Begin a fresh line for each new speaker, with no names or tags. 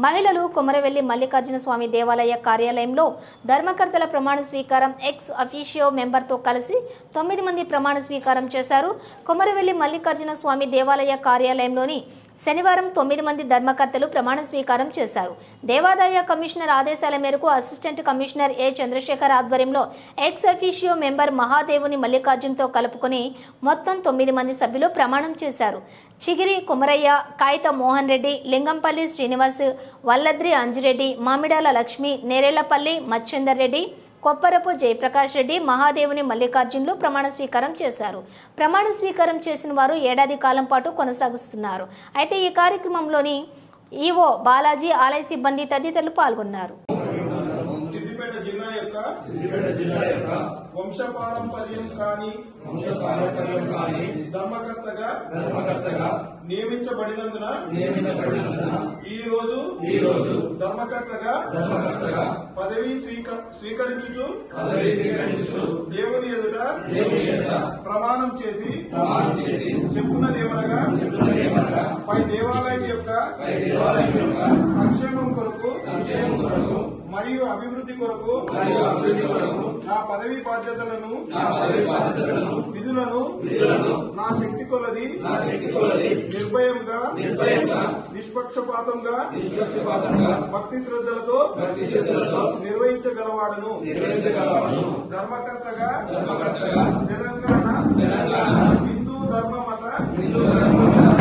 మహిళలు కొమరవెల్లి మల్లికార్జున స్వామి దేవాలయ కార్యాలయంలో ధర్మకర్తల ప్రమాణ స్వీకారం ఎక్స్ అఫీషియో మెంబర్తో కలిసి 9 మంది ప్రమాణ స్వీకారం చేశారు. కొమరవెల్లి మల్లికార్జున స్వామి దేవాలయ కార్యాలయంలోని శనివారం 9 మంది ధర్మకర్తలు ప్రమాణ స్వీకారం చేశారు. దేవాదాయ కమిషనర్ ఆదేశాల మేరకు అసిస్టెంట్ కమిషనర్ ఏ చంద్రశేఖర్ ఆధ్వర్యంలో ఎక్స్ అఫీషియో మెంబర్ మహాదేవుని మల్లికార్జున్తో కలుపుకొని మొత్తం 9 మంది సభ్యులు ప్రమాణం చేశారు. చిగిరి కుమరయ్య, కాయిత మోహన్ రెడ్డి, లింగంపల్లి శ్రీనివాస్, వల్లద్రి అంజిరెడ్డి, మామిడాల లక్ష్మి, నేరేళ్లపల్లి మచ్చేందర్ రెడ్డి, కొప్పరపు జయప్రకాష్ రెడ్డి, మహాదేవుని మల్లికార్జున్లు ప్రమాణ స్వీకారం చేశారు. ప్రమాణ స్వీకారం చేసిన వారు ఏడాది కాలం పాటు కొనసాగిస్తున్నారు. అయితే ఈ కార్యక్రమంలోని ఈవో బాలాజీ, ఆలయ సిబ్బంది తదితరులు పాల్గొన్నారు.
సిద్దిపేట జిల్లా యొక్క వంశపారంపర్యం కాని ధర్మకర్తగా నియమించబడినందున ఈ రోజు ధర్మకర్తగా పదవి స్వీకరించుచు దేవుని ఎదుట ప్రమాణం చేసి చెప్పున్నదేమనగా పై దేవాలయం యొక్క సంక్షేమం కొరకు మరియు అభివృద్ధి కొరకు నా పదవి బాధ్యతలను విధులను నా శక్తి కొలది నిర్భయంగా నిష్పక్షపాతంగా భక్తి శ్రద్ధలతో నిర్వహించగలవాడను. ధర్మకర్తగా తెలంగాణ హిందూ ధర్మ మత